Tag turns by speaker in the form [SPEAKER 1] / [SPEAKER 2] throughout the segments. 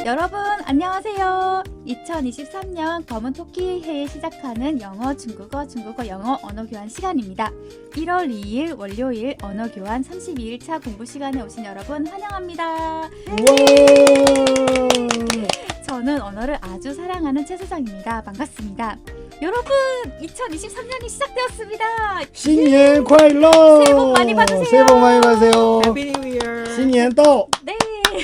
[SPEAKER 1] 여러분 안녕하세요. 2023년 검은 토끼 해에 시작하는 영어, 중국어, 영어 언어 교환 시간입니다. 1월 2일 월요일 언어 교환 32일차 공부 시간에 오신 여러분 환영합니다. 저는 언어를 아주 사랑하는 최수정입니다. 반갑습니다. 여러분 2023년이 시작되었습니다.
[SPEAKER 2] 신년 快乐!
[SPEAKER 1] 새해 복 많이 받으세요.
[SPEAKER 2] 새해 복 많이 받으세요.
[SPEAKER 3] Happy New Year.
[SPEAKER 2] 新年到!
[SPEAKER 1] 네.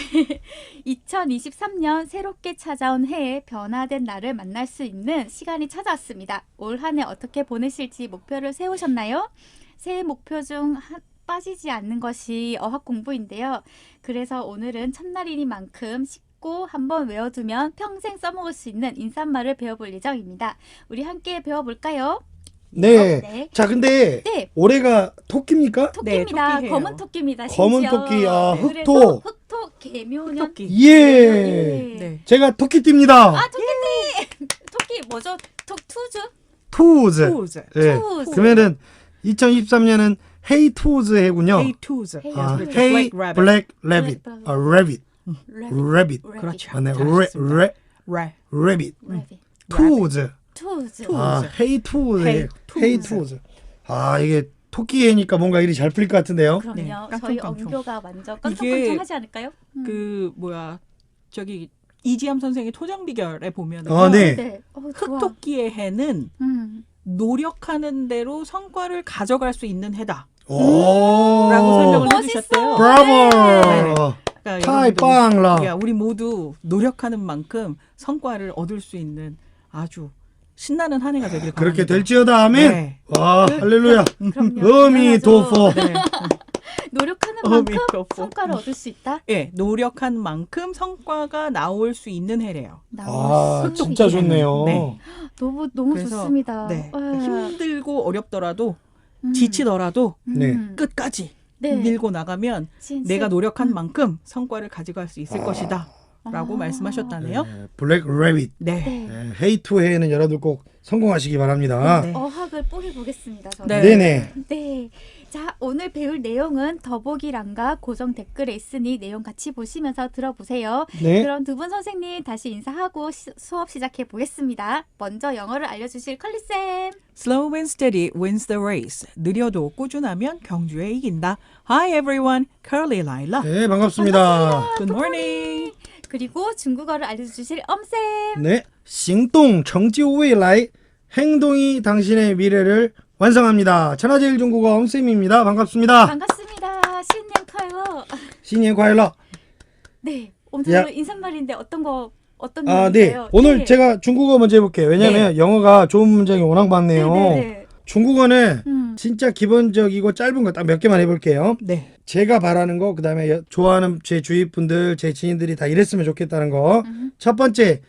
[SPEAKER 1] 2023년 새롭게 찾아온 해에 변화된 나를 만날 수 있는 시간이 찾아왔습니다. 올 한 해 어떻게 보내실지 목표를 세우셨나요? 새해 목표 중 빠지지 않는 것이 어학 공부인데요. 그래서 오늘은 첫날이니만큼 쉽고 한번 외워두면 평생 써먹을 수 있는 인사말을 배워볼 예정입니다. 우리 함께 배워볼까요?
[SPEAKER 2] 네.
[SPEAKER 1] 네.
[SPEAKER 2] 자, 근데
[SPEAKER 1] 네.
[SPEAKER 2] 올해가 토끼입니까?
[SPEAKER 1] 토끼입니다.
[SPEAKER 3] 토끼예요.
[SPEAKER 1] 검은 토끼입니다.
[SPEAKER 2] 검은
[SPEAKER 1] 심지어.
[SPEAKER 2] 토끼, 아,
[SPEAKER 1] 그래서
[SPEAKER 2] 흑토.
[SPEAKER 1] 흑토 개묘년.
[SPEAKER 3] 토끼.
[SPEAKER 2] 예.
[SPEAKER 1] 예.
[SPEAKER 3] 네.
[SPEAKER 2] 제가 토끼띠입니다.
[SPEAKER 1] 아, 토끼띠! 토끼 뭐죠? 투즈?
[SPEAKER 2] 투즈.
[SPEAKER 3] Tools.
[SPEAKER 2] 예.
[SPEAKER 1] 투즈.
[SPEAKER 2] 그러면은 2023년은 헤이 투즈 해군요.
[SPEAKER 3] Hey Tools.
[SPEAKER 1] Hey
[SPEAKER 2] 아,
[SPEAKER 1] Tools.
[SPEAKER 2] 헤이
[SPEAKER 3] Black Rabbit.
[SPEAKER 2] 블랙 레빗.
[SPEAKER 1] Black
[SPEAKER 2] 아, 레빗. 레빗.
[SPEAKER 3] 그렇죠.
[SPEAKER 2] 아, 네.
[SPEAKER 3] 잘하셨습니다.
[SPEAKER 2] 레빗.
[SPEAKER 1] 레빗.
[SPEAKER 2] 투즈.
[SPEAKER 1] 투즈.
[SPEAKER 2] 아, 헤이 투즈.
[SPEAKER 3] 헤이
[SPEAKER 2] 헤이
[SPEAKER 3] 투즈.
[SPEAKER 2] 투즈. 아, 이게 토끼해니까 뭔가 일이 잘 풀릴 것 같은데요.
[SPEAKER 1] 그럼요.
[SPEAKER 3] 네,
[SPEAKER 1] 저희
[SPEAKER 3] 깡총깡총.
[SPEAKER 1] 언교가 완전
[SPEAKER 3] 이게
[SPEAKER 1] 깡총깡총하지 않을까요?
[SPEAKER 3] 그 뭐야 저기 이지암 선생의 토장 비결에 보면은
[SPEAKER 2] 네.
[SPEAKER 1] 네. 좋아.
[SPEAKER 3] 흑토끼의 해는
[SPEAKER 1] 음.
[SPEAKER 3] 노력하는 대로 성과를 가져갈 수 있는 해다.
[SPEAKER 2] 오.
[SPEAKER 3] 라고 설명을
[SPEAKER 1] 멋있어.
[SPEAKER 3] 해주셨대요.
[SPEAKER 2] 브라보.
[SPEAKER 3] 그러니까
[SPEAKER 2] 타이
[SPEAKER 3] 여러분들,
[SPEAKER 2] 빵라.
[SPEAKER 3] 야, 우리 모두 노력하는 만큼 성과를 얻을 수 있는 아주 신나는 한 해가 되길 바랍니다.
[SPEAKER 2] 그렇게 될지어다 아멘.
[SPEAKER 3] 네.
[SPEAKER 2] 와, 할렐루야.
[SPEAKER 1] 그럼요.
[SPEAKER 2] 어미도포.
[SPEAKER 3] 네.
[SPEAKER 1] 노력하는 만큼
[SPEAKER 3] 어미도포.
[SPEAKER 1] 성과를 얻을 수 있다.
[SPEAKER 3] 예, 노력한 만큼 성과가 나올 수 있는 해래요.
[SPEAKER 2] 아, 진짜 좋네요.
[SPEAKER 3] 네.
[SPEAKER 1] 너무
[SPEAKER 3] 그래서,
[SPEAKER 1] 좋습니다.
[SPEAKER 3] 네.
[SPEAKER 1] 와.
[SPEAKER 3] 힘들고 어렵더라도
[SPEAKER 1] 음.
[SPEAKER 3] 지치더라도
[SPEAKER 2] 네.
[SPEAKER 3] 끝까지
[SPEAKER 1] 네.
[SPEAKER 3] 밀고 나가면
[SPEAKER 1] 진짜.
[SPEAKER 3] 내가 노력한 만큼 성과를 가져갈 수 있을 것이다. 라고
[SPEAKER 1] 아.
[SPEAKER 3] 말씀하셨다네요.
[SPEAKER 2] 네, 블랙 레빗.
[SPEAKER 3] 네.
[SPEAKER 1] 네.
[SPEAKER 2] 네, 헤이 투 해는 여러분 꼭 성공하시기 바랍니다.
[SPEAKER 3] 네.
[SPEAKER 1] 어학을 뿌리 보겠습니다. 저는.
[SPEAKER 3] 네.
[SPEAKER 2] 네네.
[SPEAKER 1] 네. 자, 오늘 배울 내용은 더보기란과 고정 댓글에 있으니 내용 같이 보시면서 들어보세요.
[SPEAKER 2] 네.
[SPEAKER 1] 그럼 두 분 선생님 다시 인사하고 수업 시작해 보겠습니다. 먼저 영어를 알려주실 컬리쌤.
[SPEAKER 3] Slow and steady wins the race. 느려도 꾸준하면 경주에 이긴다. Hi everyone, Curly Lila.
[SPEAKER 2] 네, 반갑습니다.
[SPEAKER 3] Good morning.
[SPEAKER 1] 그리고 중국어를 알려주실 엄쌤.
[SPEAKER 2] 네. 行动成就未来. 행동이 당신의 미래를 완성합니다. 천하제일 중국어 엄쌤입니다. 반갑습니다.
[SPEAKER 1] 반갑습니다. 신년 카이러.
[SPEAKER 2] 新年快乐.
[SPEAKER 1] 네. 오늘
[SPEAKER 2] 야.
[SPEAKER 1] 인사말인데 어떤
[SPEAKER 2] 아, 네.
[SPEAKER 1] 내용인가요?
[SPEAKER 2] 오늘 제가 중국어 먼저 해볼게요. 왜냐면 영어가 좋은 문장이 워낙 많네요.
[SPEAKER 1] 네.
[SPEAKER 2] 중국어는 진짜 기본적이고 짧은 거 딱 몇 개만 해볼게요.
[SPEAKER 3] 네.
[SPEAKER 2] 제가 바라는 거, 그 다음에 좋아하는 제 주위 분들, 제 지인들이 다 이랬으면 좋겠다는 거. 첫 번째,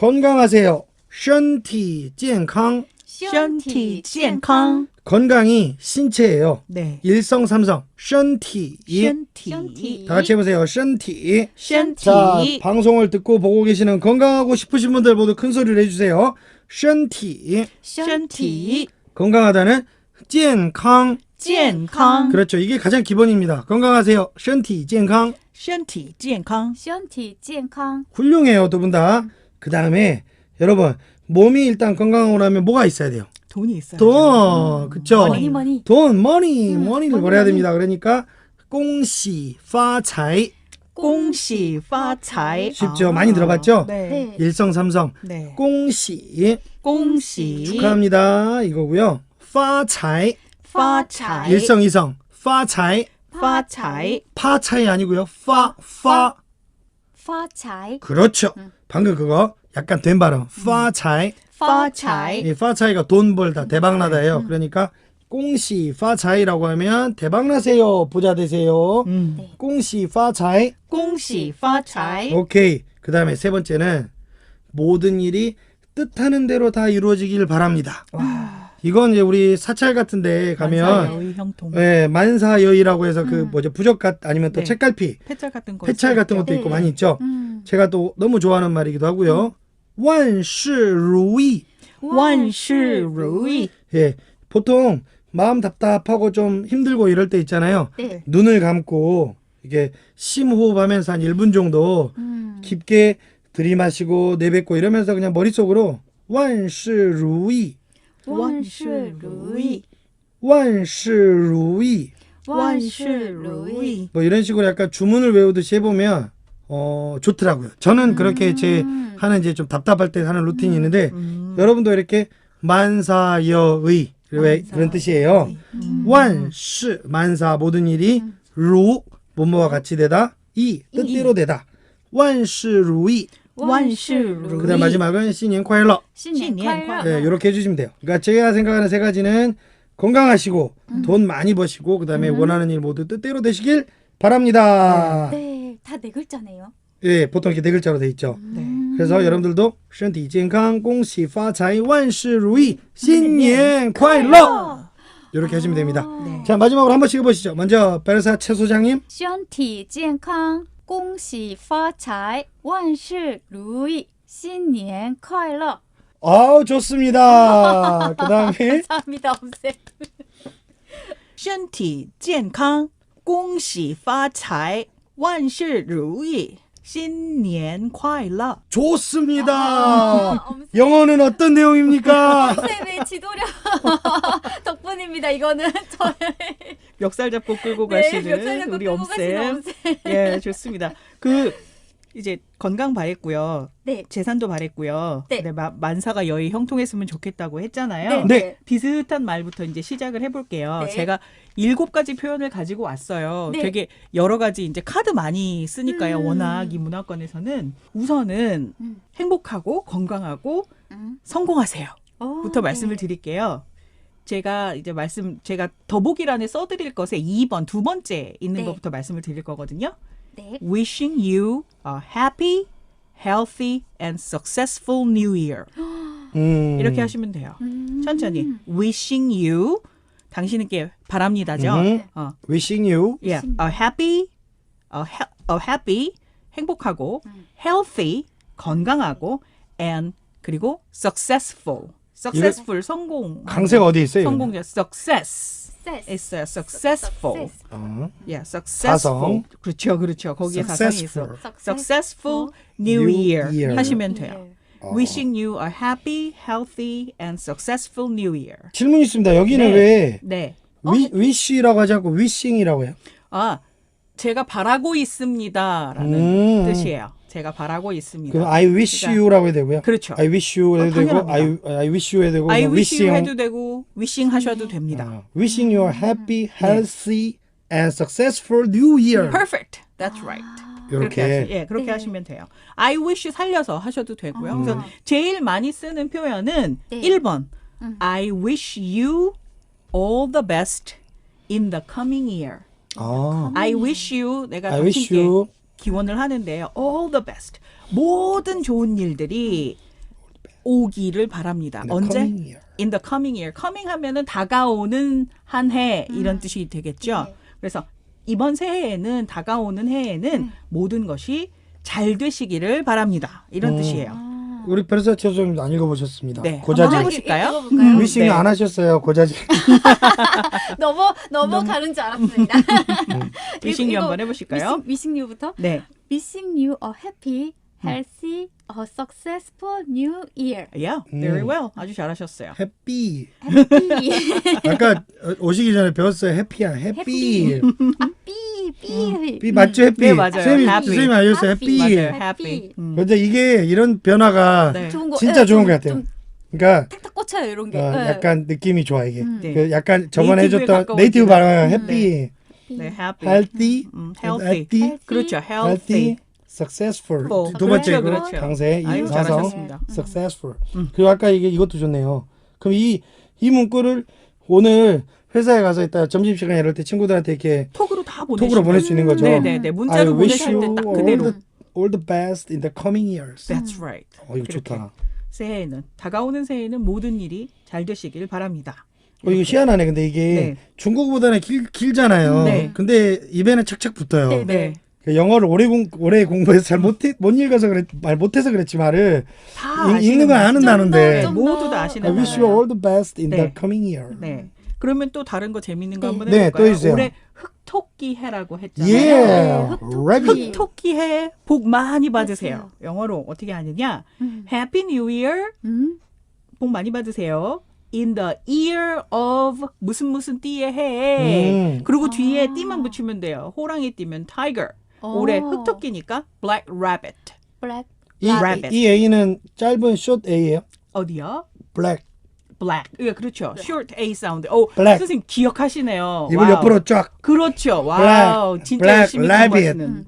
[SPEAKER 2] 건강하세요. 身体健康.
[SPEAKER 3] 身体健康.
[SPEAKER 2] 건강이 신체예요.
[SPEAKER 3] 네.
[SPEAKER 2] 일성삼성. 身体.
[SPEAKER 3] 身体.
[SPEAKER 1] 션티.
[SPEAKER 2] 다 같이 해보세요. 身体.
[SPEAKER 3] 身体.
[SPEAKER 2] 자, 방송을 듣고 보고 계시는 건강하고 싶으신 분들 모두 큰 소리를 해주세요. 身体.
[SPEAKER 3] 身体.
[SPEAKER 2] 건강하다는 健康.
[SPEAKER 3] 健康.
[SPEAKER 2] 그렇죠. 이게 가장 기본입니다. 건강하세요. 身体健康.
[SPEAKER 3] 身体健康.
[SPEAKER 1] 션티健康.
[SPEAKER 2] 훌륭해요, 두 분 다. 그 다음에 여러분 몸이 일단 건강하고 나면 뭐가 있어야 돼요?
[SPEAKER 3] 돈이 있어요.
[SPEAKER 2] 돈, 그쵸?
[SPEAKER 1] 머니.
[SPEAKER 2] 돈, 머니를
[SPEAKER 1] 머니,
[SPEAKER 2] 벌어야
[SPEAKER 1] 머니.
[SPEAKER 2] 됩니다. 그러니까 恭喜发财.
[SPEAKER 3] 恭喜发财.
[SPEAKER 2] 쉽죠? 많이 들어봤죠?
[SPEAKER 3] 네.
[SPEAKER 1] 네.
[SPEAKER 2] 일성삼성.
[SPEAKER 3] 네.
[SPEAKER 2] 恭喜
[SPEAKER 3] 恭喜
[SPEAKER 2] 축하합니다. 이거고요. 发财
[SPEAKER 3] 发财.
[SPEAKER 2] 일성이성. 发财
[SPEAKER 3] 发财.
[SPEAKER 2] 파차이 아니고요.
[SPEAKER 1] 파차이.
[SPEAKER 2] 그렇죠. 방금 그거 약간 된 발음. 发财
[SPEAKER 3] 发财.
[SPEAKER 2] 이 파차이가 돈 벌다 대박나다예요. 그러니까 恭喜发财라고 하면 대박나세요. 부자 되세요. 恭喜发财.
[SPEAKER 3] 恭喜发财.
[SPEAKER 2] 오케이. 그 다음에 세 번째는 모든 일이 뜻하는 대로 다 이루어지길 바랍니다. 이건 이제 우리 사찰 같은 데 가면
[SPEAKER 3] 만사의 형통.
[SPEAKER 2] 예, 만사여의라고 해서 그 뭐죠 부적갓 아니면 또
[SPEAKER 3] 네.
[SPEAKER 2] 책갈피,
[SPEAKER 3] 폐찰 같은 거.
[SPEAKER 2] 폐찰 같은 것도
[SPEAKER 1] 네.
[SPEAKER 2] 있고 많이 있죠. 제가 또 너무 좋아하는 말이기도 하고요. 万事如意.
[SPEAKER 3] 万事如意.
[SPEAKER 2] 예, 보통 마음 답답하고 좀 힘들고 이럴 때 있잖아요.
[SPEAKER 1] 네.
[SPEAKER 2] 눈을 감고 이게 심호흡하면서 한 1분 정도 깊게 들이마시고 내뱉고 이러면서 그냥 머릿속으로 万事如意
[SPEAKER 3] 万事如意
[SPEAKER 2] 万事如意
[SPEAKER 3] 万事如意
[SPEAKER 2] 뭐 이런 식으로 약간 주문을 외우듯이 해보면 좋더라고요. 저는 그렇게 제 하는 이제 좀 답답할 때 하는 루틴이 있는데 여러분도 이렇게 만사여의 그런 뜻이에요. 완시 만사 모든 일이 루 뭐뭐와 같이 되다 이 뜻대로 되다. 완시루이
[SPEAKER 3] 万事如
[SPEAKER 2] 그다음
[SPEAKER 3] 意
[SPEAKER 2] 마지막은 신년快乐
[SPEAKER 1] 신년快乐.
[SPEAKER 2] 네, 이렇게 해주시면 돼요. 그러니까 제가 생각하는 세 가지는 건강하시고 돈 많이 버시고 그다음에 원하는 일 모두 뜻대로 되시길 바랍니다.
[SPEAKER 1] 네, 다 네 글자네요.
[SPEAKER 2] 예, 보통 이렇게 네 글자로 돼 있죠.
[SPEAKER 3] 네.
[SPEAKER 2] 그래서 여러분들도 身体健康恭喜发财万事如意新年快乐 이렇게 하시면 됩니다.
[SPEAKER 3] 네.
[SPEAKER 2] 자, 마지막으로 한 번씩 해보시죠. 먼저 베르사 최 소장님.
[SPEAKER 1] 身体健康恭喜发财万事如意新年快乐.
[SPEAKER 2] 아우 좋습니다. 그 다음에
[SPEAKER 1] 감사합니다, 엄쌤.
[SPEAKER 3] 身体健康恭喜发财万事如意新年快乐
[SPEAKER 2] 좋습니다.
[SPEAKER 1] 엄쌤.
[SPEAKER 2] 영어는 어떤 내용입니까?
[SPEAKER 1] 쌤의 지도력 덕분입니다. 이거는 저의
[SPEAKER 3] 멱살 잡고 끌고
[SPEAKER 1] 네,
[SPEAKER 3] 가시는
[SPEAKER 1] 멱살 잡고
[SPEAKER 3] 우리
[SPEAKER 1] 끌고 가시는
[SPEAKER 3] 엄쌤.
[SPEAKER 1] 엄쌤.
[SPEAKER 3] 예, 좋습니다. 그 이제 건강 바랬고요.
[SPEAKER 1] 네.
[SPEAKER 3] 재산도 바랬고요.
[SPEAKER 1] 네.
[SPEAKER 3] 근데 만사가 여의 형통했으면 좋겠다고 했잖아요.
[SPEAKER 2] 네.
[SPEAKER 3] 비슷한 말부터 이제 시작을 해볼게요.
[SPEAKER 1] 네.
[SPEAKER 3] 제가 7가지 표현을 가지고 왔어요.
[SPEAKER 1] 네.
[SPEAKER 3] 되게 여러 가지 이제 카드 많이 쓰니까요.
[SPEAKER 1] 음.
[SPEAKER 3] 워낙 이 문화권에서는 우선은 행복하고 건강하고 성공하세요. 부터 말씀을 드릴게요. 제가 더보기란에 써드릴 것에 2번 두 번째 있는
[SPEAKER 1] 네.
[SPEAKER 3] 것부터 말씀을 드릴 거거든요.
[SPEAKER 1] 네.
[SPEAKER 3] Wishing you a happy, healthy and successful new year. 이렇게 하시면 돼요. 천천히. Wishing you 당신에게 바랍니다죠.
[SPEAKER 2] Wishing you
[SPEAKER 3] Yeah, a happy, a happy 행복하고 healthy 건강하고 and 그리고 successful 성공
[SPEAKER 2] 강세가 어디 있어요?
[SPEAKER 3] 성공자 success
[SPEAKER 1] Success.
[SPEAKER 3] 있어요. successful yeah
[SPEAKER 2] 사성.
[SPEAKER 3] successful 그렇죠 거기에 사성이 있어 successful new year 하시면 돼요. Wishing you a happy, healthy and successful new year.
[SPEAKER 2] 질문 있습니다. 여기는
[SPEAKER 3] 네.
[SPEAKER 2] 왜
[SPEAKER 3] 네.
[SPEAKER 2] wish라고 하지 않고 wishing이라고 해요?
[SPEAKER 3] 아, 제가 바라고 있습니다라는 뜻이에요. 제가 바라고 있습니다.
[SPEAKER 2] 그럼 I wish you라고 해도 되고요.
[SPEAKER 3] 그렇죠.
[SPEAKER 2] I wish you 해도 되고
[SPEAKER 3] 당연합니다.
[SPEAKER 2] I wish you 해도 되고
[SPEAKER 3] I
[SPEAKER 2] 그냥
[SPEAKER 3] wish you
[SPEAKER 2] wishing.
[SPEAKER 3] 해도 되고 wishing 하셔도 됩니다.
[SPEAKER 2] Wishing you a happy, healthy and successful new year.
[SPEAKER 3] Perfect. That's right.
[SPEAKER 2] 이렇게.
[SPEAKER 3] 그렇게 하시면 돼요. I wish 살려서 하셔도 되고요. 그래서 제일 많이 쓰는 표현은
[SPEAKER 1] 네.
[SPEAKER 3] 1번. I wish you all the best in the coming year. I wish you 내가
[SPEAKER 2] I wish
[SPEAKER 3] 당신께
[SPEAKER 2] you
[SPEAKER 3] 기원을 하는데요. All the best. 모든 좋은 일들이 오기를 바랍니다.
[SPEAKER 2] in the
[SPEAKER 3] 언제?
[SPEAKER 2] coming year.
[SPEAKER 3] In the coming year. coming 하면은 다가오는 한 해 이런 뜻이 되겠죠.
[SPEAKER 1] 네.
[SPEAKER 3] 그래서 이번 새해에는 다가오는 해에는 모든 것이 잘 되시기를 바랍니다. 이런 뜻이에요.
[SPEAKER 2] 우리 베르사 최소장님 안 읽어보셨습니다.
[SPEAKER 3] 네.
[SPEAKER 2] 고자질.
[SPEAKER 3] 한번 해보실까요?
[SPEAKER 1] 읽어볼까요?
[SPEAKER 2] 위싱
[SPEAKER 3] 네.
[SPEAKER 2] 안 하셨어요. 고자질.
[SPEAKER 1] 넘어가는 줄 알았습니다.
[SPEAKER 3] 위싱 유 한번 해보실까요?
[SPEAKER 1] Wishing you부터.
[SPEAKER 3] 네.
[SPEAKER 1] Wishing you a happy, healthy, a successful new year.
[SPEAKER 3] Yeah, very well. 아주 잘하셨어요.
[SPEAKER 2] 해피.
[SPEAKER 1] Happy.
[SPEAKER 2] 아까 오시기 전에 배웠어요. 해피야. 해피.
[SPEAKER 1] 삐.
[SPEAKER 2] 맞죠? 해피.
[SPEAKER 3] 네, 맞아요.
[SPEAKER 2] 선생님이
[SPEAKER 3] happy.
[SPEAKER 2] 알려줬어요. 해피.
[SPEAKER 3] 맞아요.
[SPEAKER 1] Happy.
[SPEAKER 3] happy.
[SPEAKER 2] 근데 이게 이런 변화가
[SPEAKER 3] 네.
[SPEAKER 1] 좋은 거.
[SPEAKER 2] 진짜
[SPEAKER 1] 네,
[SPEAKER 2] 좋은
[SPEAKER 1] 좀-
[SPEAKER 2] 것 같아요.
[SPEAKER 1] 좀
[SPEAKER 2] 그러니까
[SPEAKER 1] 탁탁 꽂혀요 이런 게. 네.
[SPEAKER 2] 약간 느낌이 좋아 이게.
[SPEAKER 3] 네.
[SPEAKER 2] 그 약간 저번에
[SPEAKER 3] 네이티브에
[SPEAKER 2] 해줬던
[SPEAKER 3] 가까워지는-
[SPEAKER 2] 네이티브 발음 해피,
[SPEAKER 3] 네, happy.
[SPEAKER 2] healthy,
[SPEAKER 3] healthy. 그렇죠. healthy.
[SPEAKER 2] successful.
[SPEAKER 3] full.
[SPEAKER 2] 두 번째
[SPEAKER 3] 그렇죠,
[SPEAKER 2] 그
[SPEAKER 3] 그렇죠.
[SPEAKER 2] 강세
[SPEAKER 3] 아유,
[SPEAKER 2] 이 사성
[SPEAKER 3] 잘하셨습니다.
[SPEAKER 2] successful. 그리고 아까 이것도 좋네요. 그럼 이 문구를 오늘 회사에 가서 이따 점심시간 이럴 때 친구들한테 이렇게
[SPEAKER 3] 톡으로 다 보내시면
[SPEAKER 2] 톡으로 보낼 수 있는 거죠.
[SPEAKER 3] 네네네. 문자로
[SPEAKER 2] I wish
[SPEAKER 3] 보내실
[SPEAKER 2] you
[SPEAKER 3] 때 딱 그대로.
[SPEAKER 2] all the best in the coming years.
[SPEAKER 3] That's right.
[SPEAKER 2] 이거
[SPEAKER 3] 그렇게.
[SPEAKER 2] 좋다.
[SPEAKER 3] 새해에는 다가오는 새해에는 모든 일이 잘 되시길 바랍니다.
[SPEAKER 2] 이거 희한하네. 근데 이게
[SPEAKER 3] 네.
[SPEAKER 2] 중국어보다는 길잖아요.
[SPEAKER 3] 네.
[SPEAKER 2] 근데 입에는 착착 붙어요.
[SPEAKER 1] 네.
[SPEAKER 3] 네.
[SPEAKER 2] 그 영어를 오래 공부해서 잘 못 읽어서 말 못해서 그랬지 말을
[SPEAKER 3] 다
[SPEAKER 2] 읽는 건 아는
[SPEAKER 1] 좀
[SPEAKER 2] 단어인데.
[SPEAKER 1] 더, 좀
[SPEAKER 3] 모두
[SPEAKER 1] 더.
[SPEAKER 3] 다
[SPEAKER 2] I
[SPEAKER 3] 아시는
[SPEAKER 2] wish you
[SPEAKER 3] 단어예요.
[SPEAKER 2] all the best in
[SPEAKER 3] 네.
[SPEAKER 2] the coming year.
[SPEAKER 3] 네. 그러면 또 다른 거 재밌는 거 한번
[SPEAKER 2] 네,
[SPEAKER 3] 해볼까요?
[SPEAKER 2] 또 해주세요.
[SPEAKER 3] 올해 흑토끼 흑토끼 해라고 했잖아요.
[SPEAKER 2] Yeah.
[SPEAKER 1] 흑토끼.
[SPEAKER 2] Rabbit.
[SPEAKER 3] 흑토끼 해 복 많이 받으세요.
[SPEAKER 1] 맞아요.
[SPEAKER 3] 영어로 어떻게 하느냐?
[SPEAKER 1] 음.
[SPEAKER 3] Happy New Year. 복 많이 받으세요. In the year of 무슨 띠의 해. 그리고 뒤에 띠만 붙이면 돼요. 호랑이 띠면 tiger. 올해 흑토끼니까 black rabbit.
[SPEAKER 1] 블랙
[SPEAKER 2] 이,
[SPEAKER 3] Rabbit.
[SPEAKER 2] 이 A는 짧은 short A예요.
[SPEAKER 3] 어디요?
[SPEAKER 2] Black.
[SPEAKER 3] black. 예, 그렇죠. short A 사운드. 오,
[SPEAKER 2] Black.
[SPEAKER 3] 선생님 기억하시네요.
[SPEAKER 2] 입을
[SPEAKER 3] 와우.
[SPEAKER 2] 옆으로 쫙.
[SPEAKER 3] 그렇죠. 와우. 진짜
[SPEAKER 2] black
[SPEAKER 3] 열심히
[SPEAKER 2] rabbit.
[SPEAKER 3] 공부하시는.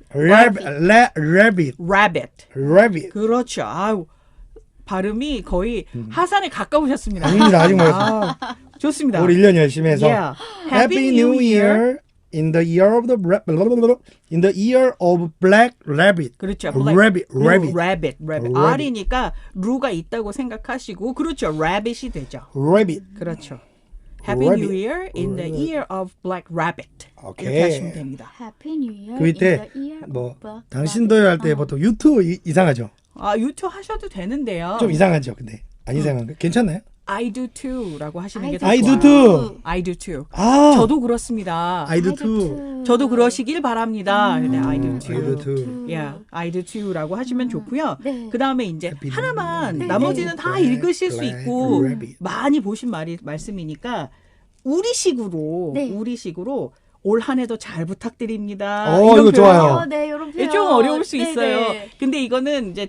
[SPEAKER 2] Rabbit.
[SPEAKER 3] rabbit.
[SPEAKER 2] Rabbit.
[SPEAKER 3] 그렇죠. 아우. 발음이 거의 하산에 가까우셨습니다.
[SPEAKER 2] 아닙니다. 아직 멀었어요.
[SPEAKER 3] 아, 좋습니다.
[SPEAKER 2] 우리 1년 열심히 해서.
[SPEAKER 3] Yeah.
[SPEAKER 2] Happy New Year in the year of the in the year of black rabbit.
[SPEAKER 3] 그렇죠.
[SPEAKER 2] Rabbit. Rabbit.
[SPEAKER 3] rabbit.
[SPEAKER 2] Rabbit.
[SPEAKER 3] R이니까 루가 있다고 생각하시고 그렇죠. rabbit이 되죠.
[SPEAKER 2] Rabbit.
[SPEAKER 3] 그렇죠. Happy
[SPEAKER 2] Rabbit.
[SPEAKER 3] New Year in the year of black rabbit.
[SPEAKER 2] 오케이.
[SPEAKER 3] 이렇게 하시면 됩니다.
[SPEAKER 1] Happy New Year.
[SPEAKER 2] 그 밑에
[SPEAKER 1] in the year
[SPEAKER 2] 뭐
[SPEAKER 1] of black
[SPEAKER 2] 당신도요 할 때 보통 유튜브 이상하죠.
[SPEAKER 3] 아, 유튜브 하셔도 되는데요.
[SPEAKER 2] 좀 이상하죠. 근데 안 이상한가? 괜찮나요?
[SPEAKER 3] I do too라고 하시는 게 더
[SPEAKER 2] I
[SPEAKER 3] 좋아요.
[SPEAKER 2] do too.
[SPEAKER 3] I do too.
[SPEAKER 2] 아,
[SPEAKER 3] 저도 그렇습니다.
[SPEAKER 2] I do
[SPEAKER 1] I
[SPEAKER 2] too.
[SPEAKER 1] too.
[SPEAKER 3] 저도 그러시길 바랍니다. 네, I do
[SPEAKER 2] I
[SPEAKER 3] too.
[SPEAKER 2] do too.
[SPEAKER 3] Yeah, I do too라고 하시면 좋고요.
[SPEAKER 1] 네.
[SPEAKER 3] 그 다음에 이제
[SPEAKER 2] Happy
[SPEAKER 3] 하나만
[SPEAKER 2] New
[SPEAKER 3] 나머지는
[SPEAKER 2] Year.
[SPEAKER 3] 다 읽으실 수
[SPEAKER 2] Black
[SPEAKER 3] 있고
[SPEAKER 2] Rabbit.
[SPEAKER 3] 많이 보신 말씀이니까 우리식으로
[SPEAKER 1] 네.
[SPEAKER 3] 우리식으로 올 한 해도 잘 부탁드립니다.
[SPEAKER 2] 어,
[SPEAKER 3] 이런
[SPEAKER 2] 이거 좋아요.
[SPEAKER 3] 표현이요.
[SPEAKER 1] 네, 이런
[SPEAKER 3] 이게
[SPEAKER 1] 표현.
[SPEAKER 3] 좀 어려울 수
[SPEAKER 1] 네,
[SPEAKER 3] 있어요.
[SPEAKER 1] 네.
[SPEAKER 3] 근데 이거는 이제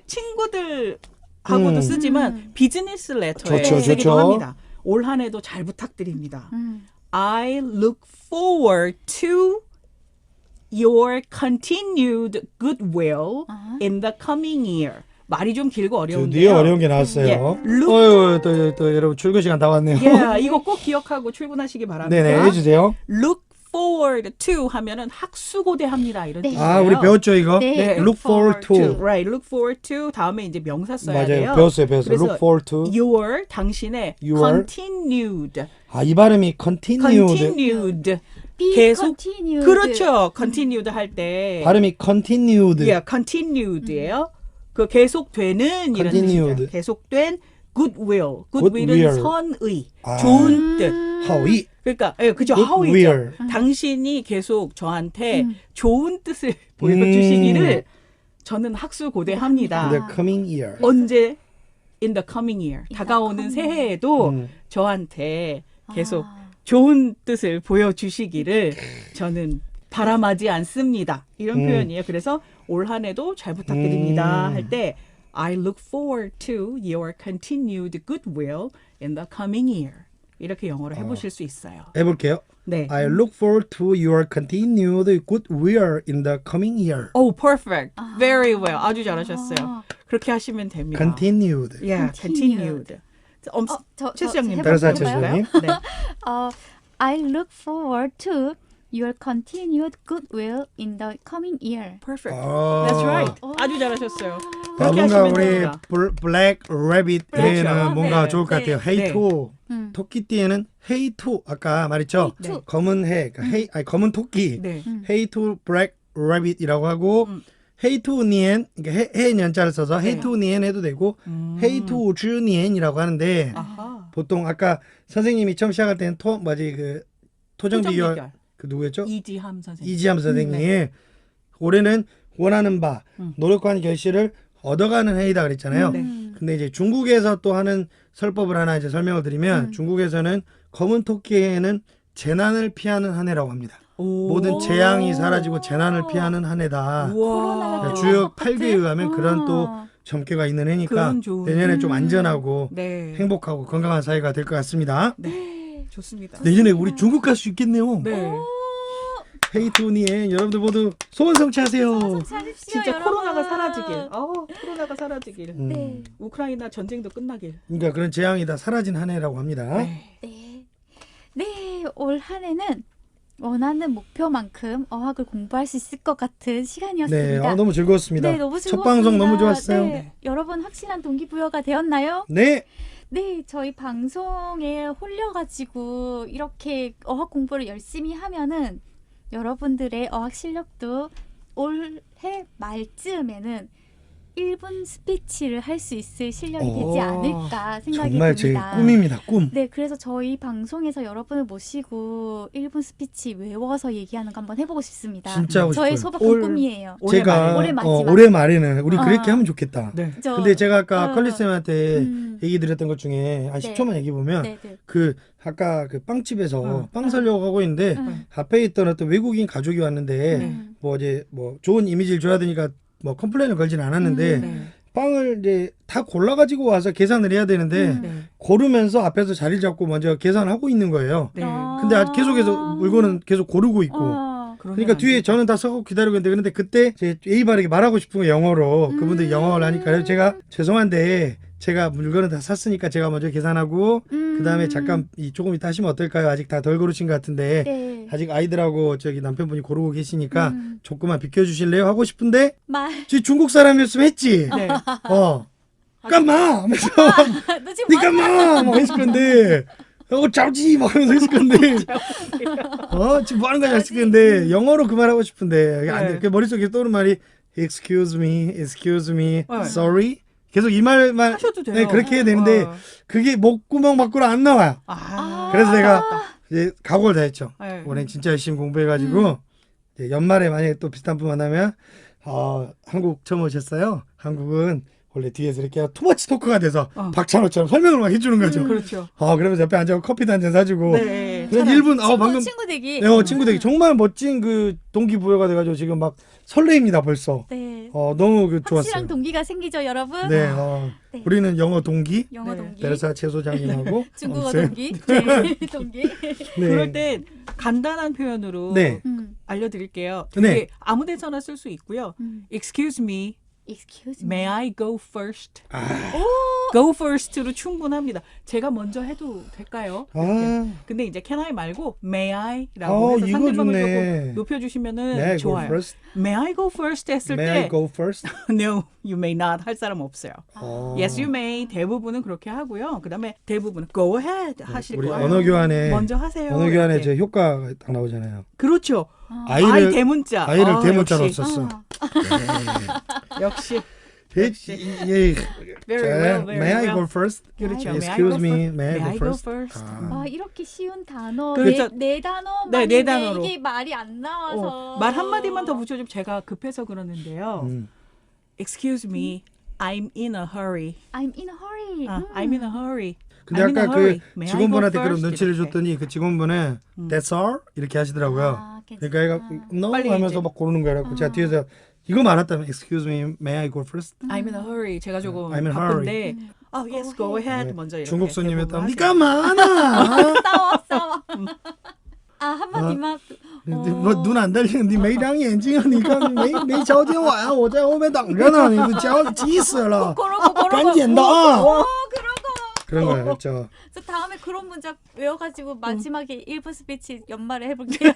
[SPEAKER 3] 친구들하고도 쓰지만 비즈니스 레터에
[SPEAKER 2] 좋죠,
[SPEAKER 3] 쓰기도
[SPEAKER 2] 좋죠.
[SPEAKER 3] 합니다. 올 한 해도 잘 부탁드립니다.
[SPEAKER 1] 음.
[SPEAKER 3] I look forward to your continued goodwill in the coming year. 말이 좀 길고 어려운데요.
[SPEAKER 2] 드디어 어려운 게 나왔어요.
[SPEAKER 3] 예, look-
[SPEAKER 2] 어유 또 여러분 출근 시간 다 왔네요.
[SPEAKER 3] Yeah, 이거 꼭 기억하고 출근하시기 바랍니다.
[SPEAKER 2] 네네 해주세요.
[SPEAKER 3] Look forward to 하면은 학수고대합니다 이런
[SPEAKER 1] 네.
[SPEAKER 3] 뜻이에요.
[SPEAKER 2] 아 우리 배웠죠 이거?
[SPEAKER 1] 네.
[SPEAKER 3] 네.
[SPEAKER 2] Look forward to.
[SPEAKER 3] Right, look forward to 다음에 이제 명사 써야
[SPEAKER 2] 맞아요.
[SPEAKER 3] 돼요.
[SPEAKER 2] 배웠어요.
[SPEAKER 3] 그래서
[SPEAKER 2] Look forward to.
[SPEAKER 3] your 당신의
[SPEAKER 2] Your.
[SPEAKER 3] continued
[SPEAKER 2] 아 이 발음이 continued.
[SPEAKER 3] continued
[SPEAKER 1] Be
[SPEAKER 3] 계속
[SPEAKER 1] continued.
[SPEAKER 3] 그렇죠. continued 할 때
[SPEAKER 2] 발음이 continued.
[SPEAKER 3] yeah, continued예요. 그 계속되는 이런
[SPEAKER 2] Continued.
[SPEAKER 3] 뜻이죠. 계속된 goodwill.
[SPEAKER 2] Goodwill.
[SPEAKER 3] goodwill은 선의,
[SPEAKER 2] 아.
[SPEAKER 3] 좋은 뜻.
[SPEAKER 2] 허위.
[SPEAKER 3] 그러니까 예, 그죠.
[SPEAKER 2] Goodwill.
[SPEAKER 3] 하위죠. 당신이 계속 저한테 좋은 뜻을 보여주시기를 저는 학수고대합니다.
[SPEAKER 2] The coming year.
[SPEAKER 3] 언제 in the coming year 다가오는 새해에도
[SPEAKER 2] 음.
[SPEAKER 3] 저한테 계속 좋은 뜻을 보여주시기를 저는 바람하지 않습니다. 이런 표현이에요. 그래서 올 한 해도 잘 부탁드립니다 할 때 I look forward to your continued goodwill in the coming year. 이렇게 영어로 해보실 수 있어요.
[SPEAKER 2] 해볼게요.
[SPEAKER 3] 네.
[SPEAKER 2] I look forward to your continued goodwill in the coming year.
[SPEAKER 3] Oh, perfect. Very well. 아주 잘하셨어요. 그렇게 하시면 됩니다.
[SPEAKER 2] Continued.
[SPEAKER 3] Yeah, continued. 최수영님
[SPEAKER 2] 변호사
[SPEAKER 3] 해볼까요?
[SPEAKER 2] 최수영님.
[SPEAKER 3] 네.
[SPEAKER 1] I look forward to your continued goodwill in the coming year.
[SPEAKER 3] Perfect.
[SPEAKER 2] 아.
[SPEAKER 3] That's right. 아주 잘하셨어요.
[SPEAKER 2] 아,
[SPEAKER 3] 그렇게
[SPEAKER 2] 뭔가
[SPEAKER 3] 하시면
[SPEAKER 2] 우리
[SPEAKER 3] 됩니다.
[SPEAKER 2] 블랙 레빗
[SPEAKER 3] 그렇죠.
[SPEAKER 2] 에는 뭔가
[SPEAKER 1] 네.
[SPEAKER 2] 좋을 것 같아요.
[SPEAKER 1] 네.
[SPEAKER 2] 헤이토.
[SPEAKER 1] 음.
[SPEAKER 2] 토끼띠에는 헤이토 아까 말했죠.
[SPEAKER 3] 네.
[SPEAKER 2] 검은 해, 그러니까 아니, 검은 토끼.
[SPEAKER 3] 네.
[SPEAKER 2] 헤이토 블랙 레빗이라고 하고 헤이토 니엔 그러니까 해 연자를 써서
[SPEAKER 3] 네.
[SPEAKER 2] 헤이토 니엔 해도 되고 헤이토 주 니엔이라고 하는데
[SPEAKER 3] 아하.
[SPEAKER 2] 보통 아까 선생님이 처음 시작할 때는 그 토정 비결
[SPEAKER 3] 비결.
[SPEAKER 2] 그 누구였죠?
[SPEAKER 3] 이지함 선생님.
[SPEAKER 2] 이지함 선생님. 올해는 원하는 바, 노력한 결실을 얻어가는 해이다 그랬잖아요.
[SPEAKER 3] 네.
[SPEAKER 2] 근데 이제 중국에서 또 하는 설법을 하나 이제 설명을 드리면 중국에서는 검은 토끼에는 재난을 피하는 한 해라고 합니다.
[SPEAKER 3] 오.
[SPEAKER 2] 모든 재앙이 사라지고 재난을 피하는 한 해다.
[SPEAKER 3] 우와.
[SPEAKER 2] 주역 8개에 의하면 그런 또 점괘가 있는 해니까
[SPEAKER 3] 그건 좋은.
[SPEAKER 2] 내년에 좀 안전하고
[SPEAKER 3] 네.
[SPEAKER 2] 행복하고 건강한 사회가 될 것 같습니다.
[SPEAKER 3] 네. 좋습니다.
[SPEAKER 2] 내년에 우리 중국 갈 수 있겠네요.
[SPEAKER 3] 네.
[SPEAKER 2] 헤이토니에 여러분들 모두 소원 성취하세요.
[SPEAKER 1] 잘하십시오,
[SPEAKER 3] 진짜
[SPEAKER 1] 여러분.
[SPEAKER 3] 코로나가 사라지길. 코로나가 사라지길.
[SPEAKER 1] 네.
[SPEAKER 3] 우크라이나 전쟁도 끝나길.
[SPEAKER 2] 그러니까 그런 재앙이 다 사라진 한 해라고 합니다.
[SPEAKER 3] 네.
[SPEAKER 1] 네. 네, 올 한 해는 원하는 목표만큼 어학을 공부할 수 있을 것 같은
[SPEAKER 2] 네,
[SPEAKER 1] 시간이었습니다.
[SPEAKER 2] 너무 즐거웠습니다.
[SPEAKER 1] 네, 너무
[SPEAKER 2] 첫
[SPEAKER 1] 즐거웠습니다.
[SPEAKER 2] 방송 너무 좋았어요.
[SPEAKER 1] 네,
[SPEAKER 3] 네.
[SPEAKER 1] 여러분 확실한 동기부여가 되었나요?
[SPEAKER 2] 네.
[SPEAKER 1] 네, 저희 방송에 홀려가지고 이렇게 어학 공부를 열심히 하면은 여러분들의 어학 실력도 올해 말쯤에는 1분 스피치를 할 수 있을 실력이
[SPEAKER 2] 오,
[SPEAKER 1] 되지 않을까 생각이
[SPEAKER 2] 정말 제
[SPEAKER 1] 듭니다.
[SPEAKER 2] 꿈입니다. 꿈.
[SPEAKER 1] 네, 그래서 저희 방송에서 여러분을 모시고 1분 스피치 외워서 얘기하는 거 한번 해보고 싶습니다.
[SPEAKER 2] 진짜 하고
[SPEAKER 1] 저의
[SPEAKER 2] 싶어요.
[SPEAKER 1] 소박한 꿈이에요.
[SPEAKER 3] 올해
[SPEAKER 2] 제가
[SPEAKER 3] 말에.
[SPEAKER 1] 올해 마지막.
[SPEAKER 2] 올해 말에는 우리 그렇게
[SPEAKER 1] 아.
[SPEAKER 2] 하면 좋겠다.
[SPEAKER 3] 네.
[SPEAKER 2] 근데 제가 아까
[SPEAKER 1] 어.
[SPEAKER 2] 컬리쌤한테
[SPEAKER 1] 음.
[SPEAKER 2] 얘기 드렸던 것 중에 한
[SPEAKER 1] 네.
[SPEAKER 2] 10초만 얘기 보면
[SPEAKER 1] 네, 네.
[SPEAKER 2] 그 아까 그 빵집에서
[SPEAKER 3] 응.
[SPEAKER 2] 빵 사려고 하고 있는데
[SPEAKER 1] 응.
[SPEAKER 2] 앞에 있던 어떤 외국인 가족이 왔는데
[SPEAKER 1] 음.
[SPEAKER 2] 뭐 이제 뭐 좋은 이미지를 줘야 되니까 뭐 컴플레인을 걸진 않았는데
[SPEAKER 3] 네.
[SPEAKER 2] 빵을 이제 다 골라가지고 와서 계산을 해야 되는데
[SPEAKER 1] 음.
[SPEAKER 3] 네.
[SPEAKER 2] 고르면서 앞에서 자리를 잡고 먼저 계산을 하고 있는 거예요.
[SPEAKER 3] 네.
[SPEAKER 2] 근데 계속해서 물건은 계속 고르고 있고. 그러니까 뒤에 저는 다 서고 기다리고 있는데 그런데 그때 제 예의 바르게 말하고 싶은 거 영어로 그분들이 영어를 하니까 그래서 제가 죄송한데 제가 물건을 다 샀으니까 제가 먼저 계산하고 그다음에 잠깐 조금 이따 하시면 어떨까요? 아직 다 덜 고르신 것 같은데
[SPEAKER 1] 네.
[SPEAKER 2] 아직 아이들하고 저기 남편분이 고르고 계시니까
[SPEAKER 1] 음.
[SPEAKER 2] 조금만 비켜주실래요? 하고 싶은데
[SPEAKER 1] 말.
[SPEAKER 2] 저 중국 사람이었으면 했지.
[SPEAKER 3] 네.
[SPEAKER 2] 깜마 하면서
[SPEAKER 1] 너 지금
[SPEAKER 2] 니 깜마 막 했을 건데 자오지 막 하면서 했을 건데 지금 뭐 하는 거야 했을 건데 영어로 그 말하고 싶은데 안 돼.
[SPEAKER 3] 네.
[SPEAKER 2] 그 머릿속에 떠오르는 말이 excuse me
[SPEAKER 3] 네.
[SPEAKER 2] sorry 계속 이 말만
[SPEAKER 3] 하셔도 돼요.
[SPEAKER 2] 네, 그렇게 해야 되는데 그게 목구멍 밖으로 안 나와요. 그래서 내가 이제 각오를 다 했죠.
[SPEAKER 3] 네.
[SPEAKER 2] 올해 진짜 열심히 공부해가지고 이제 연말에 만약에 또 비슷한 분 만나면 한국 처음 오셨어요. 한국은 원래 뒤에서 이렇게 투머치 토크가 돼서 박찬호처럼 설명을 막 해주는 거죠.
[SPEAKER 3] 그렇죠.
[SPEAKER 2] 그러면서 옆에 앉아서 커피도 한 잔 사주고
[SPEAKER 3] 네.
[SPEAKER 2] 그래서 1분 방금
[SPEAKER 1] 친구 되기.
[SPEAKER 2] 친구 되게 정말 멋진 그 동기부여가 돼가지고 지금 막 설레입니다 벌써.
[SPEAKER 1] 네.
[SPEAKER 2] 너무 그 좋았어요.
[SPEAKER 1] 확실한 동기가 생기죠, 여러분.
[SPEAKER 2] 네,
[SPEAKER 1] 네.
[SPEAKER 2] 우리는 영어 동기,
[SPEAKER 1] 영어
[SPEAKER 3] 네.
[SPEAKER 1] 동기,
[SPEAKER 2] 베르사 채소장님하고
[SPEAKER 1] 중국어
[SPEAKER 2] 쌤.
[SPEAKER 1] 동기, 네. 동기.
[SPEAKER 2] 네.
[SPEAKER 3] 그럴 땐 간단한 표현으로
[SPEAKER 2] 네.
[SPEAKER 3] 알려드릴게요. 되게
[SPEAKER 2] 네.
[SPEAKER 3] 아무데서나 쓸 수 있고요. Excuse me,
[SPEAKER 1] Excuse me.
[SPEAKER 3] may I go first? Go first로 충분합니다. 제가 먼저 해도 될까요? 이렇게. 근데 이제 can I 말고 may I라고 해서
[SPEAKER 2] 이거
[SPEAKER 3] 상대방을
[SPEAKER 2] 좋네.
[SPEAKER 3] 조금 높여주시면은
[SPEAKER 2] May I go
[SPEAKER 3] 좋아요.
[SPEAKER 2] first?
[SPEAKER 3] May I go first 했을
[SPEAKER 2] May
[SPEAKER 3] 때
[SPEAKER 2] I go first?
[SPEAKER 3] No, you may not 할 사람 없어요.
[SPEAKER 2] 어.
[SPEAKER 3] Yes, you may 대부분은 그렇게 하고요. 그다음에 대부분은 go ahead 하실
[SPEAKER 2] 우리
[SPEAKER 3] 거예요.
[SPEAKER 2] 언어 교환에
[SPEAKER 3] 먼저 하세요.
[SPEAKER 2] 언어 교환에
[SPEAKER 3] 이렇게.
[SPEAKER 2] 제 효과가 딱 나오잖아요.
[SPEAKER 3] 그렇죠. 아이
[SPEAKER 2] 아이를
[SPEAKER 3] 대문자.
[SPEAKER 2] 아이를 대문자로
[SPEAKER 3] 역시.
[SPEAKER 2] 썼어.
[SPEAKER 3] 역시.
[SPEAKER 2] 예,
[SPEAKER 3] Very well, very
[SPEAKER 2] May I
[SPEAKER 3] well.
[SPEAKER 2] go first?
[SPEAKER 3] 그렇죠.
[SPEAKER 2] Excuse me, may I go first?
[SPEAKER 1] 이렇게 쉬운 단어
[SPEAKER 3] 그렇죠.
[SPEAKER 1] 네 단어만
[SPEAKER 3] 네, 네 단어로.
[SPEAKER 1] 이게 말이 안 나와서
[SPEAKER 3] 말 한마디만 더 붙여주면 제가 급해서 그러는데요. Excuse me, I'm in a hurry.
[SPEAKER 1] I'm in a hurry.
[SPEAKER 3] I'm in a hurry.
[SPEAKER 2] 근데
[SPEAKER 3] I'm in a
[SPEAKER 2] 아까
[SPEAKER 3] hurry.
[SPEAKER 2] 그
[SPEAKER 3] May I
[SPEAKER 2] 직원분한테
[SPEAKER 3] go
[SPEAKER 2] 그런
[SPEAKER 3] first?
[SPEAKER 2] 눈치를
[SPEAKER 3] 이렇게.
[SPEAKER 2] 줬더니 그 직원분은 That's all? 이렇게 하시더라고요.
[SPEAKER 1] 괜찮아.
[SPEAKER 2] 그러니까 얘가 No
[SPEAKER 3] 빨리
[SPEAKER 2] 하면서
[SPEAKER 3] 이제.
[SPEAKER 2] 막 고르는 거라고 제가 뒤에서 이거 말았다면 Excuse me, may I go first?
[SPEAKER 3] I'm in a hurry. 제가 조금
[SPEAKER 2] I'm in a
[SPEAKER 3] 바쁜데. yes, go ahead.
[SPEAKER 2] 네.
[SPEAKER 3] 먼저 이렇게.
[SPEAKER 2] 중국 손님이었다면
[SPEAKER 3] 대부분
[SPEAKER 2] 니가
[SPEAKER 3] 하세요.
[SPEAKER 2] 많아.
[SPEAKER 1] 싸워. 한마디만.
[SPEAKER 2] 我눈 안 달리는你没长眼睛啊你看没瞧见我呀我在后面等着呢你脚急死了
[SPEAKER 1] 그러고
[SPEAKER 2] 赶紧的啊
[SPEAKER 1] 그러고.
[SPEAKER 2] 그런 거예요 그렇죠
[SPEAKER 1] 저 다음에 그런 문장 외워가지고 마지막에 1분 스피치 연말에 해볼게요.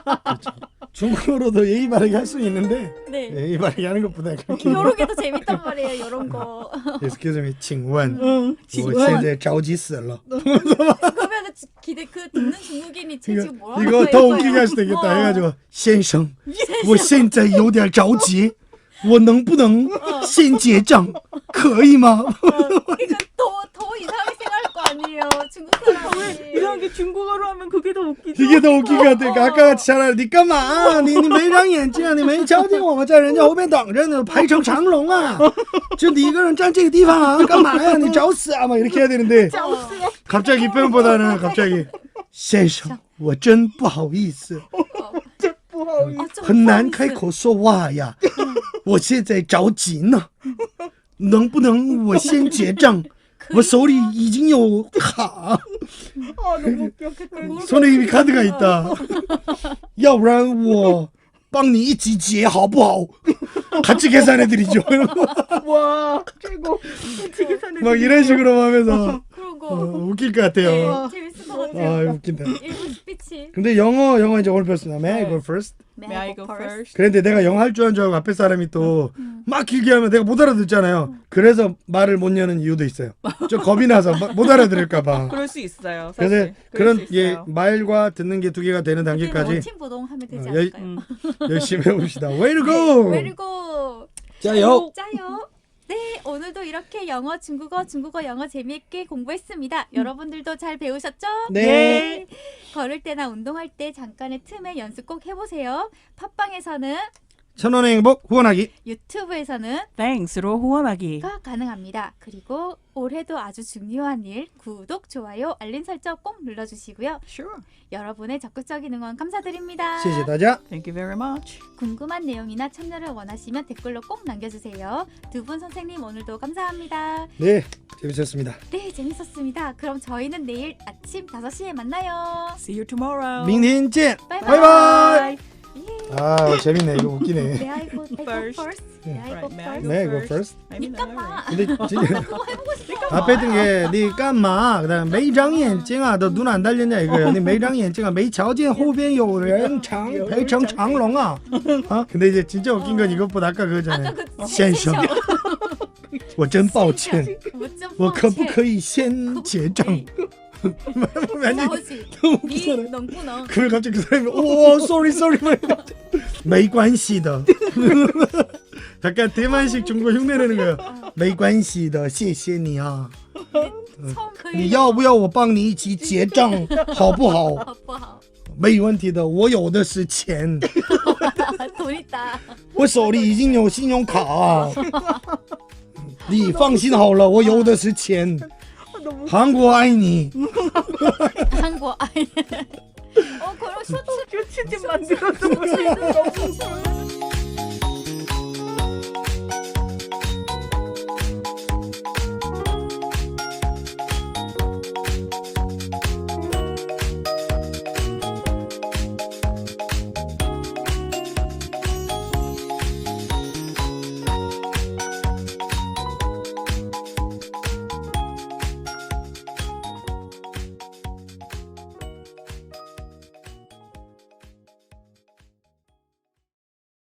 [SPEAKER 2] 중국어로도 예의 바르게 할 수 있는데
[SPEAKER 1] 네.
[SPEAKER 2] 예의 바르게 하는 것보다 그렇게
[SPEAKER 1] 요런 게 더 재밌단 말이에요. 요런 거.
[SPEAKER 2] Excuse me 请问我
[SPEAKER 3] 请问
[SPEAKER 2] 现在着急死了
[SPEAKER 1] 그러면은 그 듣는 중국인이 쟤 지금 뭐라고
[SPEAKER 2] 이거
[SPEAKER 1] 할
[SPEAKER 2] 더
[SPEAKER 1] 거야.
[SPEAKER 2] 웃기게 할 수도 있겠다 해가지고 先生我现在有点着急我能不能先结账可以吗
[SPEAKER 1] 그러니까 더 이상하게 생각할 거 아니에요. 중국 사람이.
[SPEAKER 3] 이상하게 중국어로 하면 그게 더 웃기죠.
[SPEAKER 2] 이게 더 웃긴 것 같아. 아까 같이 차라리 你干嘛你没长眼睛你没瞧见我们在人家后面等着呢排成长龙啊就你一个人站这个地方啊干嘛呀你找死啊막 이렇게 해야 되는데 갑자기 이 표현보다는 갑자기 先生我真不好意思很难开口说话呀我现在着急呢能不能我先结账我手里已经有卡
[SPEAKER 3] 너무 웃겨.
[SPEAKER 2] 손에 이미 카드가 있다 要不然我帮你一起结好不好 같이 계산해드리죠
[SPEAKER 3] 와, 최고. 계산해.
[SPEAKER 2] 막 이런 식으로 하면서
[SPEAKER 1] 그러고.
[SPEAKER 2] 웃길 것 같아요
[SPEAKER 1] 재밌을 것 같아요.
[SPEAKER 2] 웃긴다
[SPEAKER 1] 1분 스피치.
[SPEAKER 2] 근데 영어 이제 오늘 배웠습니다 May I go first?
[SPEAKER 3] May I go first?
[SPEAKER 2] 그런데 내가 영어 할 줄 아는 줄 알고 앞에 사람이 또 막 길게 하면 내가 못 알아듣잖아요 그래서 말을 못 여는 이유도 있어요 좀 겁이 나서 못 알아들을까 봐
[SPEAKER 3] 그럴 수 있어요. 사실.
[SPEAKER 2] 그래서
[SPEAKER 3] 그럴
[SPEAKER 2] 그런
[SPEAKER 3] 수 있어요.
[SPEAKER 2] 말과 듣는 게 두 개가 되는 단계까지
[SPEAKER 1] 원팀보동 하면 되지
[SPEAKER 2] 어,
[SPEAKER 1] 않을까요?
[SPEAKER 2] 열심히 해봅시다 Way to go!
[SPEAKER 1] Way to go.
[SPEAKER 2] 짜요!
[SPEAKER 1] 짜요. 네, 오늘도 이렇게 영어, 중국어, 영어 재미있게 공부했습니다. 여러분들도 잘 배우셨죠?
[SPEAKER 2] 네.
[SPEAKER 1] 걸을 때나 운동할 때 잠깐의 틈에 연습 꼭 해보세요. 팟빵에서는,
[SPEAKER 2] 천원의 행복 후원하기.
[SPEAKER 1] 유튜브에서는
[SPEAKER 3] Thanks로 후원하기.
[SPEAKER 1] 가 가능합니다. 그리고 올해도 아주 중요한 일, 구독, 좋아요, 알림 설정 꼭 눌러주시고요.
[SPEAKER 3] Sure.
[SPEAKER 1] 여러분의 적극적인 응원 감사드립니다.
[SPEAKER 2] 谢谢大家.
[SPEAKER 3] Thank you very much.
[SPEAKER 1] 궁금한 내용이나 참여를 원하시면 댓글로 꼭 남겨주세요. 두 분 선생님 오늘도 감사합니다.
[SPEAKER 2] 네, 재밌었습니다.
[SPEAKER 1] 네, 재밌었습니다. 그럼 저희는 내일 아침 5시에 만나요.
[SPEAKER 3] See you tomorrow.
[SPEAKER 2] 明天见.
[SPEAKER 1] 바이바이.
[SPEAKER 2] 바이바이.
[SPEAKER 1] 예.
[SPEAKER 2] 아, 재밌네. 이거 웃기네.
[SPEAKER 1] May I go
[SPEAKER 3] First.
[SPEAKER 1] first? May I go
[SPEAKER 3] Right, may I
[SPEAKER 1] first?
[SPEAKER 3] go
[SPEAKER 2] 네, go
[SPEAKER 3] first?
[SPEAKER 2] first.
[SPEAKER 3] I mean,
[SPEAKER 1] 잠깐만.
[SPEAKER 2] 근데 지금
[SPEAKER 1] 그거 해보고 싶어.
[SPEAKER 2] 앞에 있던 게 니 깐마 그다음 每张眼睛啊 너 눈 안 달렸냐 이거예요. 니 每张眼睛啊 没瞧见后边有人长排成长龙啊. 어? 근데 이제 진짜 웃긴 건 이것보다 아까 그거잖아요.
[SPEAKER 1] 아까 그
[SPEAKER 2] 先生我真抱歉我可不可以先结账
[SPEAKER 1] 나오지.
[SPEAKER 2] 너무
[SPEAKER 1] 니
[SPEAKER 2] 웃기잖아요.
[SPEAKER 1] 넝구렁.
[SPEAKER 2] 그걸 갑자기 그 사람이 오 sorry没关系的 약간 대만식 중국 흉내내는 거예요. 没关系的谢谢你啊
[SPEAKER 1] 처음 그
[SPEAKER 2] 你要不要我帮你一起结账好不好
[SPEAKER 1] 不好
[SPEAKER 2] 没问题的我有的是钱
[SPEAKER 1] 돈 있다.
[SPEAKER 2] 我手里已经有信用卡你放心好了我有的是钱韩国爱你
[SPEAKER 1] 한국 아이. 그럼 쇼츠
[SPEAKER 3] 좀 만들어줘.
[SPEAKER 1] 쇼츠